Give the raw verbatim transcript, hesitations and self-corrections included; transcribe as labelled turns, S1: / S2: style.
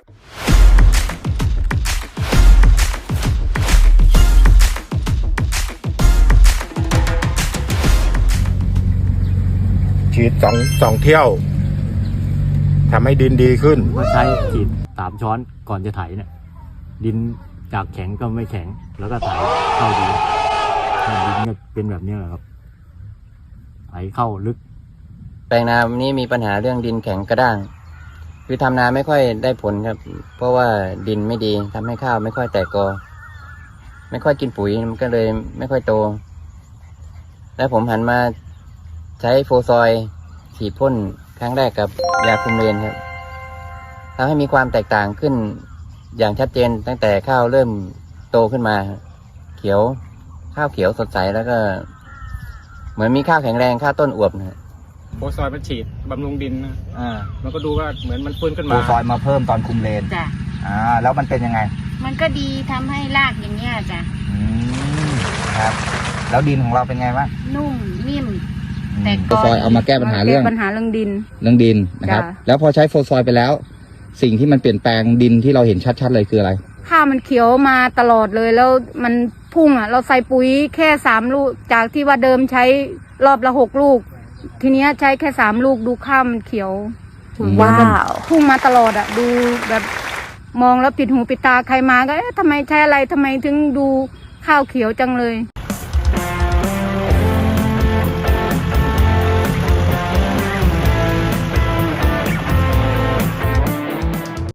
S1: ฉีดสองสองเที่ยวทำให้ดินดีขึ้น
S2: ก็ใช้ฉีดสามช้อนก่อนจะไถเนี่ยดินจากแข็งก็ไม่แข็งแล้วก็ไถเข้าดีดินเนี่ยเป็นแบบนี้แหละครับไถเข้าลึก
S3: แปลงนานี้มีปัญหาเรื่องดินแข็งกระด้างคือทำนาไม่ค่อยได้ผลครับเพราะว่าดินไม่ดีทำให้ข้าวไม่ค่อยแตกกอไม่ค่อยกินปุ๋ยมันก็เลยไม่ค่อยโตแล้วผมหันมาใช้โฟซอยฉีดพ่นครั้งแรกกับยาคุมเลนครับทำให้มีความแตกต่างขึ้นอย่างชัดเจนตั้งแต่ข้าวเริ่มโตขึ้นมาเขียวข้าวเขียวสดใสแล้วก็เหมือนมีข้าวแข็งแรงข้าวต้นอวบนะ
S4: โฟซอยมาฉีดบำรุงดินนะ
S5: อ่า
S4: มันก็ดูว่าเหมือนมันฟื้นขึ้นมา
S5: โฟซอยมาเพิ่มตอนคุมเลน
S6: จ้ะ
S5: อ่าแล้วมันเป็นยังไง
S6: มันก็ดีทำให้รากอย่างเงี้ยจ้ะ
S5: อืมครับแล้วดินของเราเป็นไงบ้าง
S6: นุ่มนิ่ม
S5: แต่โฟซอยเอามาแก้ปัญหาเรื่อง
S6: ปัญหาเรื่องดิน
S5: เรื่องดินนะครับแล้วพอใช้โฟซอยไปแล้วสิ่งที่มันเปลี่ยนแปลงดินที่เราเห็นชัดๆเลยคืออะไร
S6: ข้าวมันเขียวมาตลอดเลยแล้วมันพุ่งอ่ะเราใส่ปุ๋ยแค่สามลูกจากที่ว่าเดิมใช้รอบละหกลูกทีเนี้ยใช้แค่สามลูกดูข้าวมันเขียว
S7: ว้าว
S6: พุ่งมาตลอดอ่ะดูแบบมองแล้วปิดหูปิดตาใครมาก็เอ๊ะทำไมใช้อะไรทำไมถึงดูข้าวเขียวจังเลย